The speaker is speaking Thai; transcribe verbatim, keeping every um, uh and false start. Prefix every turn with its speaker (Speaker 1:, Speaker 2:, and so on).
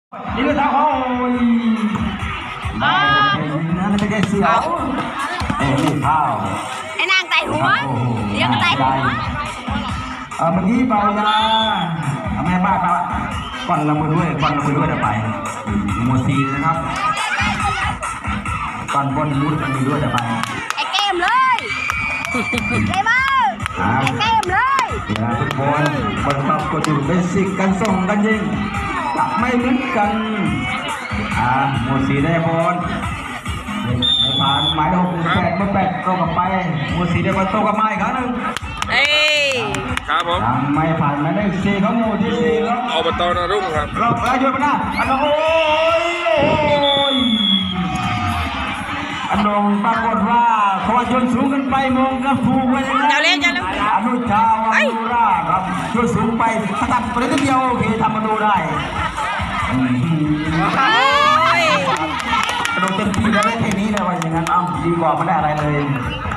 Speaker 1: นี่ก็ท้าโอ้ยมานั่นไม่ใช่เสือเอ้ยนี่ข้าว
Speaker 2: ไอ้นางไต่หัวเดี๋ยวก็ไต่หัว
Speaker 1: เออเมื่อกี้เบานะแม่บ้านเขาก่อนละมือด้วยก่อนละมือด้วยเดี๋ยวไปโมซีนะครับก่อนบนมุดมันมีด้วยเดี๋ยวไป
Speaker 2: ไอ้เกมเลยเกมเมอร์ไอ้เกมเลย
Speaker 1: เวลาทุกคนบนท็อปก็อยู่เบสิกกันส่งกันยิงจะไม่เหมือนกันอ่าโมซีได้บอลไม่ผ่านหมายเลขหกแปดเบอร์แปดโตกลับไปโมซีได้บอลโตกลับมาอีกครั้งหนึ่ง
Speaker 2: เอ้
Speaker 3: ครับผม
Speaker 1: ยังไม่ผ่านหมายเลขสี่เขาโมที่สี่ครับ
Speaker 3: อบตนารุ่งครับ
Speaker 1: รอบแล้วโยนมาหน้าอันนงโอ้ยโอ้ยอันนงปรากฏว่าเขาโยนสูงขึ้นไปมองกระฟูไว้ยังไงอนุชาวานุราครับโยนสูงไปตัดไปนิดเดียวโอเคทำมาดูได้กระโดดเต็มที่แล้วได้แค่นี้เลยว่าอย่างนั้นอ้าวดีกว่าไม่ได้อะไรเลย